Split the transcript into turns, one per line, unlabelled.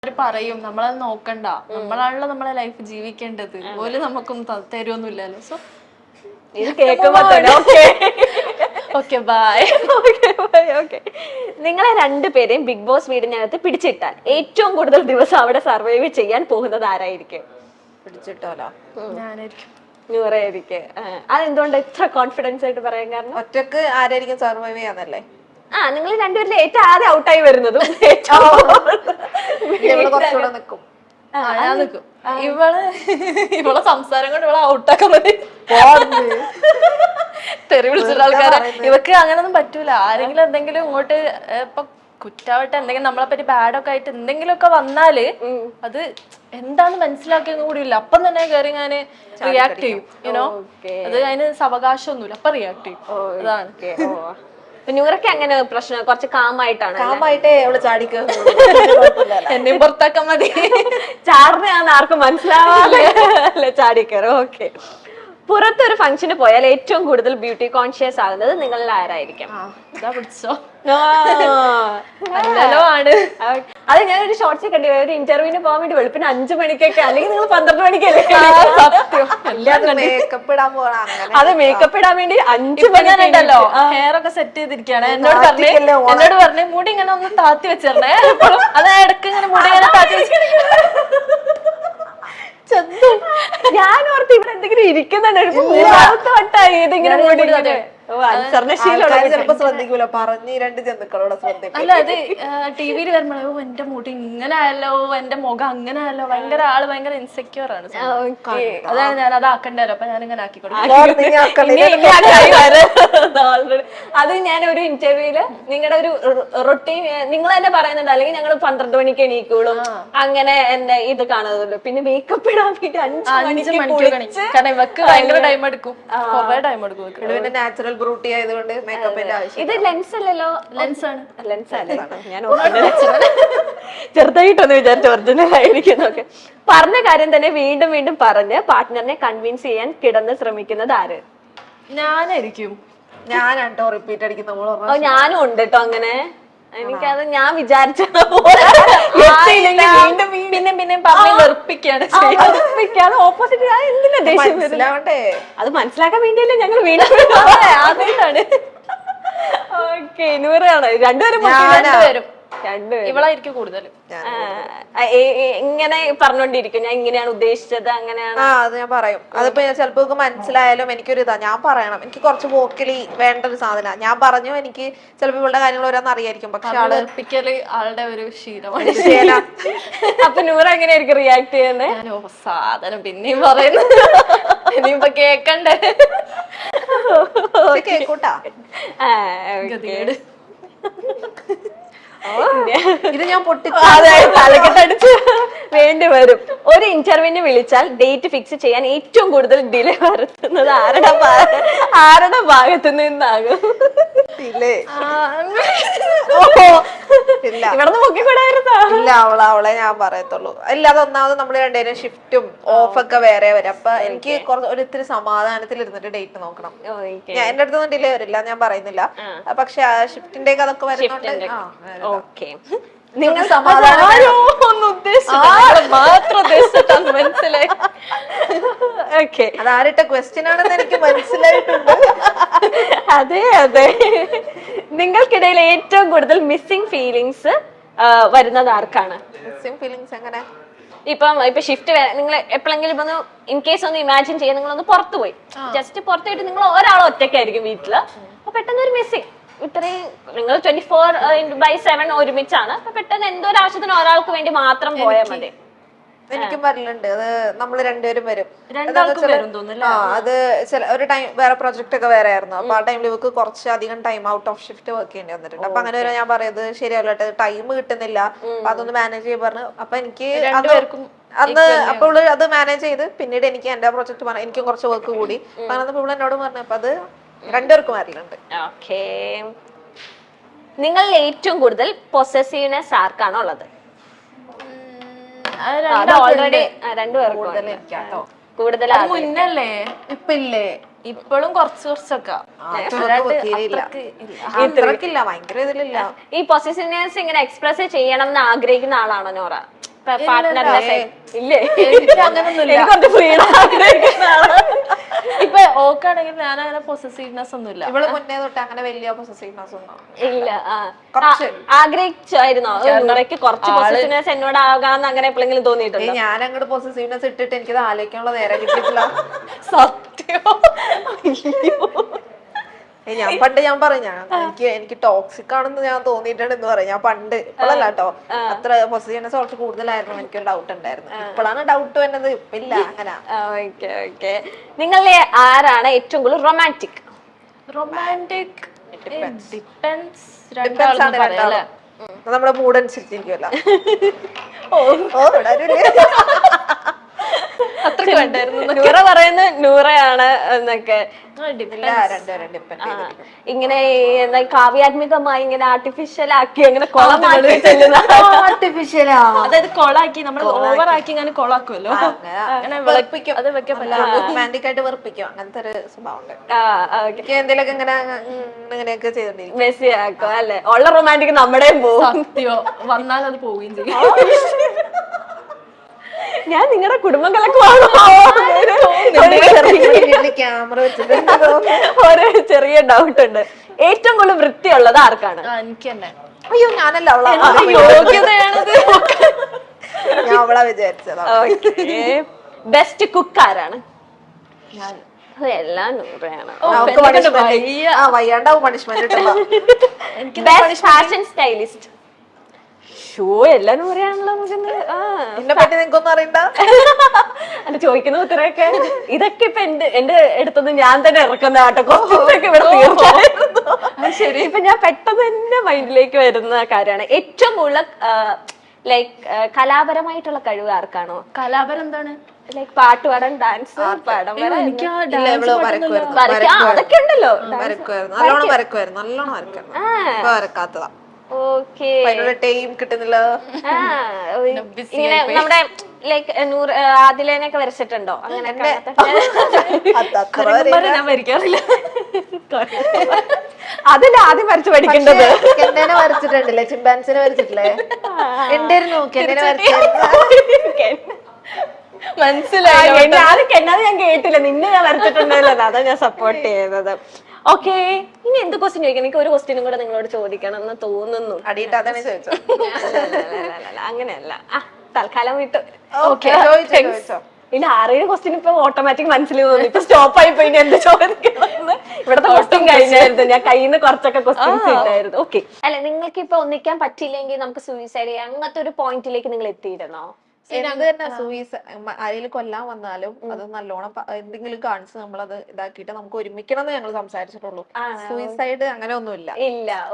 പറയും നമ്മളത് നോക്കണ്ട, നമ്മളാണല്ലോ നമ്മളെ ലൈഫ് ജീവിക്കേണ്ടത്, ഓല് നമുക്കൊന്നും തരുമൊന്നുമില്ലല്ലോ. സോ
ഇത് കേൾക്കുമ്പോ തന്നെ
ഓക്കെ ബൈ.
നിങ്ങളെ രണ്ടുപേരെയും ബിഗ് ബോസ് വീടിനകത്ത് പിടിച്ചിട്ടാൽ ഏറ്റവും കൂടുതൽ ദിവസം അവിടെ സർവൈവ് ചെയ്യാൻ പോകുന്നത് ആരായിരിക്കും?
പിടിച്ചിട്ടോലോ
ഞാനായിരിക്കും.
നൂറായിരിക്കും. അതെന്തുകൊണ്ട് ഇത്ര കോൺഫിഡൻസ് ആയിട്ട് പറയാൻ കാരണം?
ഒറ്റക്ക് ആരായിരിക്കും സർവൈവ് ചെയ്യാന്നല്ലേ?
നിങ്ങൾ രണ്ടുപേരിൽ ഏറ്റവും ആദ്യം ഔട്ടായി വരുന്നതും
കുറച്ചുകൂടെ നിക്കും.
ഞാൻ നിൽക്കും. ഇവളെ സംസാരം കൊണ്ട് ഇവളെ ഔട്ടാക്കാൻ മതി. തെറി വിളിച്ചിട്ട് ആൾക്കാരെ ഇവക്ക് അങ്ങനൊന്നും പറ്റൂല. ആരെങ്കിലും എന്തെങ്കിലും ഇങ്ങോട്ട് ഇപ്പൊ കുറ്റാവട്ടെ എന്തെങ്കിലും നമ്മളെ പറ്റി ബാഡൊക്കെ ആയിട്ട് എന്തെങ്കിലുമൊക്കെ വന്നാല് അത് എന്താന്ന് മനസ്സിലാക്കിയൊന്നും കൂടി ഇല്ല, അപ്പം തന്നെ കയറി ഞാന് റിയാക്ട് ചെയ്യും. യുനോ അത് അതിന് അവകാശമൊന്നുമില്ല, അപ്പൊ റിയാക്ട് ചെയ്യും. അതാണ്.
നൂറൊക്കെ അങ്ങനെ പ്രശ്നം കുറച്ച് കാമായിട്ടാണ്.
കാമായിട്ടേ അവള് ചാടിക്ക്
എന്നെയും പുറത്താക്കാൻ മതി.
ചാറിനാന്ന് ആർക്കും മനസ്സിലാവാതെ അല്ലെ ചാടിക്കയറും. ഓക്കെ. പുറത്തൊരു ഫംഗ്ഷന് പോയാൽ ഏറ്റവും കൂടുതൽ ബ്യൂട്ടി കോൺഷ്യസ് ആകുന്നത് നിങ്ങളിൽ ആരായിരിക്കും?
പിടിച്ചോ
ആണ്. അത് ഞാനൊരു ഷോർട്സ് കണ്ടു. ഒരു ഇന്റർവ്യൂവിന് പോകാൻ വേണ്ടി വെളുപ്പിന് 5 മണിക്കൊക്കെ, അല്ലെങ്കിൽ നിങ്ങൾ 12 മണിക്കല്ലേ?
മേക്കപ്പ് ഇടാൻ പോകണം.
അത് മേക്കപ്പ് ഇടാൻ വേണ്ടി 5
മണിണ്ടല്ലോ ഹെയർ ഒക്കെ സെറ്റ് ചെയ്തിരിക്കുകയാണ്. എന്നോട് പറഞ്ഞു മുടി ഇങ്ങനെ ഒന്ന് താത്തി വെച്ചിരണേ. അത് ഇടയ്ക്ക് ഇങ്ങനെ മുടി ഇങ്ങനെ താത്തി വെച്ച
ഞാൻ ഓർത്ത് ഇവിടെ എന്തെങ്കിലും ഇരിക്കുന്നുണ്ട്. മൂന്നാമത്തെ വട്ടായി ഇതിങ്ങനെ മുടി.
ചിലപ്പോ ശ്രദ്ധിക്കൂല, പറഞ്ഞ് 2 ജന്തുക്കളോടെ ശ്രദ്ധിക്കും.
അല്ല അത് ടിവിയിൽ വരുമ്പോഴോ എന്റെ മുടി ഇങ്ങനെ ആയല്ലോ, എന്റെ മുഖം അങ്ങനെ ആയല്ലോ, ഭയങ്കര ഇൻസെക്യൂർ ആണ്. അതാണ് ഞാൻ അത് ആക്കണ്ടല്ലോ, അപ്പൊ ഞാൻ ഇങ്ങനെ ആക്കിക്കൊടുക്കും.
അത് ഞാൻ ഒരു ഇന്റർവ്യൂല് നിങ്ങളുടെ ഒരു റൊട്ടീൻ നിങ്ങൾ തന്നെ പറയുന്നുണ്ട്, അല്ലെങ്കിൽ ഞങ്ങൾ 12 മണിക്ക് എണീക്കുള്ളൂ അങ്ങനെ എന്നെ ഇത് കാണുന്നുള്ളൂ. പിന്നെ മേക്കപ്പ് ഇടാൻ വേണ്ടി 5 മണിക്ക്
കാരണം ഇവക്ക് ഭയങ്കര ടൈം എടുക്കും, കുറെ ടൈം എടുക്കും.
നാച്ചുറൽ ബ്യൂട്ടി ആയതുകൊണ്ട് മേക്കപ്പിന്റെ ആവശ്യം.
ഇത് ലെൻസ് അല്ലല്ലോ?
ലെൻസ് ആണ്.
ലെൻസ് അല്ലേ? ഞാൻ ചെറുതായിട്ടൊന്ന് വിചാരിച്ചു ഒറിജിനൽ ആയിരിക്കുന്നൊക്കെ. പറഞ്ഞ കാര്യം തന്നെ വീണ്ടും വീണ്ടും പറഞ്ഞ് പാർട്ട്ണറിനെ കൺവിൻസ് ചെയ്യാൻ കിടന്ന് ശ്രമിക്കുന്നത് ആര്?
ഞാനായിരിക്കും.
ഞാനാട്ടോ റിപ്പീറ്റ് അടിക്കുന്ന.
ഞാനും ഉണ്ട് കേട്ടോ അങ്ങനെ. എനിക്കത് ഞാൻ വിചാരിച്ച
പിന്നെ പറഞ്ഞ് വെറുപ്പിക്കാണ്.
ഓപ്പോസിറ്റ് എന്തിനാ ദേഷ്യം
മനസ്സിലാവണ്ടേ?
അത് മനസ്സിലാക്കാൻ വേണ്ടിയല്ലേ ഞങ്ങൾ വീണ്ടും ആദ്യമായിട്ടാണ്. ഓക്കെ. നൂറാണ്. രണ്ടുപേരും
ഇവളായിരിക്കും കൂടുതൽ
ഇങ്ങനെ പറഞ്ഞോണ്ടിരിക്കും, ഞാൻ ഇങ്ങനെയാണ് ഉദ്ദേശിച്ചത് അങ്ങനെയാണ്.
അത് ഞാൻ പറയും. അതിപ്പോ ചിലപ്പോ മനസ്സിലായാലും എനിക്കൊരു ഇതാ, ഞാൻ പറയണം. എനിക്ക് കുറച്ച് വോക്കലി വേണ്ട ഒരു സാധന. ഞാൻ പറഞ്ഞു, എനിക്ക് ചിലപ്പോ ഇവളുടെ കാര്യങ്ങൾ ഓരോന്ന് അറിയായിരിക്കും, പക്ഷെ
ആളെപ്പിക്കല് ആളുടെ ഒരു ശീലമാണ്.
അപ്പൊ നൂറ എങ്ങനെയായിരിക്കും റിയാക്ട് ചെയ്യുന്നത്?
സാധനം പിന്നെയും പറയുന്നു, ഇനിയിപ്പൊ കേക്കണ്ടേ?
കേക്കൂട്ടാ. ഇത് ഞാൻ
തലക്കെട്ടടിച്ച് വേണ്ടി വരും. ഒരു ഇന്റർവ്യൂവിന് വിളിച്ചാൽ ഡേറ്റ് ഫിക്സ് ചെയ്യാൻ ഏറ്റവും കൂടുതൽ ഡിലേ വരുത്തുന്നത് ആരുടെ ഭാഗത്ത് നിന്നാകും? ഇവിടുന്ന് പൊക്കിക്കൂടായിരുന്നോ?
ഇല്ല, അവളെ ഞാൻ പറയത്തുള്ളൂ. ഇല്ല, അതൊന്നാമത് നമ്മള് രണ്ടുപേരും ഷിഫ്റ്റും ഓഫൊക്കെ വേറെ വരും. അപ്പൊ എനിക്ക് ഒരിത്തിരി സമാധാനത്തിൽ ഇരുന്നിട്ട് ഡേറ്റ് നോക്കണം. ഞാൻ എന്റെ അടുത്തൊന്നും ഡിലേ വരില്ല, ഞാൻ പറയുന്നില്ല. പക്ഷെ ഷിഫ്റ്റിന്റെ അതൊക്കെ വരുന്നുണ്ട്.
ഓക്കെ.
നിങ്ങൾ സമാധാനം മനസ്സിലായി.
അതാരിട്ട ക്വസ്റ്റ്യൻ ആണെന്ന് എനിക്ക് മനസ്സിലായിട്ടുണ്ട്.
അതെ അതെ. നിങ്ങൾക്കിടയിൽ ഏറ്റവും കൂടുതൽ മിസ്സിംഗ് ഫീലിങ്സ് വരുന്നത് ആർക്കാണ്?
മിസ്സിംഗ് ഫീലിങ്സ് എങ്ങനെ?
ഇപ്പൊ ഷിഫ്റ്റ് നിങ്ങൾ എപ്പോഴെങ്കിലും ഇപ്പൊ ഇൻ കേസ് ഒന്ന് ഇമാജിൻ ചെയ്യാൻ നിങ്ങളൊന്ന് പുറത്തു പോയി, ജസ്റ്റ് പുറത്തു പോയിട്ട് നിങ്ങൾ ഒരാൾ ഒറ്റയ്ക്കായിരിക്കും വീട്ടില്. അപ്പൊ പെട്ടെന്ന് ഒരു മിസ്സിംഗ്, ഇത്രയും നിങ്ങൾ 24/7 ഒരുമിച്ചാണ്. അപ്പൊ പെട്ടെന്ന് എന്തോ ഒരു ആവശ്യത്തിന് ഒരാൾക്ക് വേണ്ടി മാത്രം പോയാൽ മതി.
എനിക്കും വരലുണ്ട്. അത് നമ്മള് രണ്ടുപേരും വരും. അത് ഒരു ടൈം വേറെ പ്രൊജക്ട് ഒക്കെ വേറെ ആയിരുന്നു. അപ്പൊ ആ ടൈമിൽ ഇവർക്ക് കുറച്ച് അധികം time out of shift work ചെയ്യേണ്ടി വന്നിട്ടുണ്ട്. അപ്പൊ അങ്ങനെ വരെ ഞാൻ പറയുന്നത് ശരിയല്ല, ടൈം കിട്ടുന്നില്ല, അപ്പൊ അതൊന്ന് മാനേജ് ചെയ്യാൻ പറഞ്ഞു. അപ്പൊ എനിക്ക് അന്ന് അപ്പോൾ അത് മാനേജ് ചെയ്ത് പിന്നീട് എനിക്ക് എന്റെ പ്രൊജക്ട് പറഞ്ഞു, എനിക്കും കുറച്ച് വർക്ക് കൂടി. അങ്ങനെ ഇവിടെ എന്നോട് പറഞ്ഞു. അപ്പൊ അത് രണ്ടുപേർക്കും വരലുണ്ട്.
ഓക്കേ. നിങ്ങളിൽ ഏറ്റവും കൂടുതൽ പൊസസീവ്നെസ് ആർക്കാണോ ഉള്ളത്? ഓൾറെഡി രണ്ടുപേർക്കും
മുന്നല്ലേ, ഇപ്പില്ലേ? ഇപ്പോഴും കുറച്ചൊക്കെ
ഭയങ്കര ഇതിലില്ല.
ഈ പൊസസീവ്നെസ് ഇങ്ങനെ എക്സ്പ്രസ് ചെയ്യണം എന്ന് ആഗ്രഹിക്കുന്ന ആളാണോ നോറ? പാർട്ട്ണറിന്റെ ഇല്ലേ?
എനിക്ക് അങ്ങനൊന്നുമില്ല.
എനിക്ക് കുറച്ച് ഫ്രീഡം
ഇപ്പൊ ഓക്കാണെങ്കിൽ ഞാൻ അങ്ങനെ പൊസസീവ്നെസ് ഒന്നുമില്ല.
ഇവള് മുന്നേ തൊട്ട് അങ്ങനെ വലിയ പൊസസീവ്നെസ് ഒന്നും
ഇല്ല.
കുറച്ച്.
ആഗ്രഹിച്ചായിരുന്നോ നൂറയ്ക്ക് കുറച്ച് പൊസസീവ്നെസ് എന്നോട് ആകാന്ന് അങ്ങനെ എപ്പോഴെങ്കിലും തോന്നിയിട്ടുണ്ടോ?
ഞാൻ അങ്ങോട്ട് പൊസസീവ്നെസ് ഇട്ടിട്ട് എനിക്കത് ആലോചിക്കാനുള്ള നേരം കിട്ടിയിട്ടില്ല.
സത്യം.
ഞാൻ പണ്ട് ഞാൻ പറഞ്ഞു എനിക്ക് ടോക്സിക് ആണെന്ന് ഞാൻ തോന്നിയിട്ടുണ്ട് എന്ന് പറയാം. ഞാൻ പണ്ട് ഇപ്പോഴല്ല കേട്ടോ, അത്ര പൊസസീവ്നെസ് കുറച്ച് കൂടുതലായിരുന്നു, എനിക്കൊരു ഡൗട്ട് ഉണ്ടായിരുന്നു. ഇപ്പോഴാണ് ഡൗട്ട് വരുന്നത്, ഇല്ല അങ്ങനെ.
Okay okay. നിങ്ങളിലെ ആരാണ് ഏറ്റവും കൂടുതൽ റൊമാൻറ്റിക്?
Romantic depends.
Depends ആണ് രണ്ടാളും. നമ്മുടെ മൂഡ് അനുസരിച്ചിരിക്കുമല്ലോ.
അത്രക്ക് വേണ്ടായിരുന്നു.
നൂറ പറയുന്നത് നൂറയാണ് എന്നൊക്കെ.
രണ്ടുപേരും ഡിപ്പെൻഡ് ചെയ്തിരിക്കും.
ഇങ്ങനെ എന്താ കാവ്യാത്മികമായി ഇങ്ങനെ ആർട്ടിഫിഷ്യൽ ആക്കി അങ്ങനെ കൊളമാക്കി ചെല്ലുന്ന
ആർട്ടിഫിഷ്യലാ.
അതായത് കൊളാക്കി നമ്മൾ ഓവറാക്കി ഇങ്ങനെ കൊളാക്കുമല്ലോ, അങ്ങനെ വെളുപ്പിക്കും. അത് വെക്കാൻ പറ്റില്ല.
റൊമാൻറ്റിക് ആയിട്ട് വെറുപ്പിക്കും, അങ്ങനത്തെ ഒരു സ്വഭാവം ഉണ്ട്. എന്തെങ്കിലുമൊക്കെ ഇങ്ങനെ ഇങ്ങനെയൊക്കെ ചെയ്തോണ്ടിരിക്കും.
മെസ്സി ആക്കും അല്ലെ? ഉള്ള റൊമാൻറ്റിക് നമ്മുടെയും പോകും.
സത്യോ, വന്നാൽ അത് പോവുകയും ചെയ്യും.
ഞാൻ നിങ്ങളുടെ കുടുംബം കലക്കുവാണോ?
ക്യാമറ വെച്ചിട്ട്
ഒരു ചെറിയ ഡൗട്ട് ഉണ്ട്. ഏറ്റവും കൂടുതൽ വൃത്തിയുള്ളത് ആർക്കാണ്?
എനിക്ക് തന്നെ.
അയ്യോ ഞാനല്ല, അവളാ.
യോഗ്യതയാണത്.
ഞാൻ അവളാ വിചാരിച്ചതാ.
ബെസ്റ്റ് കുക്ക് ആരാണ്? എല്ലാം നൂറയാണ്.
വയ്യാണ്ടാവും പണിഷ്മെന്റ് കിട്ടുമ്പോ.
Best fashion stylist? ഷോ എല്ലാം നൂറയാണല്ലോ.
എന്നെ പറ്റി നിങ്ങൾക്കൊന്നും അറിയണ്ട.
അല്ല, ചോദിക്കുന്ന ഉത്തരവൊക്കെ ഇതൊക്കെ ഇപ്പൊ എന്റെ അടുത്തൊന്നും ഞാൻ തന്നെ ഇറക്കുന്ന ആട്ടോ. കുറച്ചൊക്കെ ഇവിടെ തീർച്ചയായിരുന്നു. ശരി, ഇപ്പൊ ഞാൻ പെട്ടെന്ന് തന്നെ മൈൻഡിലേക്ക് വരുന്ന കാര്യമാണ് ഏറ്റവും കൂടുതൽ ലൈക്ക് കലാപരമായിട്ടുള്ള കഴിവ് ആർക്കാണോ?
കലാപരം എന്താണ്?
ലൈക്ക് പാട്ട് പാടാൻ, ഡാൻസ് പടം
എനിക്ക്
അതൊക്കെ ഉണ്ടല്ലോ.
നല്ലോണം വരക്കുമായിരുന്നു. ഇപ്പൊ വരക്കാത്തതാ.
ഓക്കെ.
ടൈം കിട്ടുന്നില്ല.
ഇങ്ങനെ നമ്മുടെ ലൈക്ക് ആദിലേനൊക്കെ വരച്ചിട്ടുണ്ടോ? അങ്ങനെ
ഞാൻ വരയ്ക്കാറില്ല.
അതല്ല ആദ്യം വരച്ച് പഠിക്കേണ്ടത്.
കെന്നേനെ വരച്ചിട്ടുണ്ടല്ലേ, ചിമ്പാൻസിനെ വരച്ചിട്ടില്ലേ? ഉണ്ടായിരുന്നു കെന്നേനെ വരച്ചിരുന്നു.
മനസ്സിലായി. ആരും കെന്നാതെ ഞാൻ കേട്ടില്ല, നിന്നെ ഞാൻ വരച്ചിട്ടുണ്ടല്ലോ, അതാ ഞാൻ സപ്പോർട്ട് ചെയ്യുന്നത്. ഓക്കെ, ഇനി എന്ത് ക്വസ്റ്റ്യൻ ചോദിക്കണം? എനിക്ക് ഒരു ക്വസ്റ്റ്യനും കൂടെ നിങ്ങളോട് ചോദിക്കണം എന്ന് തോന്നുന്നു.
അടിയിട്ട് അതാണ് ചോദിച്ചോ?
അങ്ങനെയല്ല, തൽക്കാലം വിട്ടു.
ചോദിച്ചോ.
ഇനി 6-7 ക്വസ്റ്റ്യൻ ഇപ്പൊ ഓട്ടോമാറ്റിക് മനസ്സിൽ തോന്നി. ഇപ്പൊ സ്റ്റോപ്പ് ആയി പോയി. എന്ത് ചോദിക്കണം? ഇവിടത്തെ ക്വസ്റ്റ്യൻ കഴിഞ്ഞായിരുന്നു, ഞാൻ കയ്യിൽ നിന്ന് കുറച്ചൊക്കെ ക്വസ്റ്റ്യൻസ് ഇട്ടായിരുന്നു. ഓക്കെ. അല്ല, നിങ്ങൾക്ക് ഇപ്പൊ ഒന്നിക്കാൻ പറ്റില്ലെങ്കിൽ നമുക്ക് സൂയിസൈഡ് ചെയ്യാം, അങ്ങനത്തെ ഒരു പോയിന്റിലേക്ക് നിങ്ങൾ എത്തിയിരുന്നോ?
എന്ത് തന്നെ ആരെങ്കിലും കൊല്ലാൻ വന്നാലും അത് നല്ലോണം എന്തെങ്കിലും കാണിച്ച് നമ്മളത് ഇതാക്കിയിട്ട് നമുക്ക് ഒരുമിക്കണം എന്ന് ഞങ്ങൾ സംസാരിച്ചിട്ടുള്ളൂ. സൂയിസൈഡ് അങ്ങനെ ഒന്നുമില്ല.
ഇല്ല.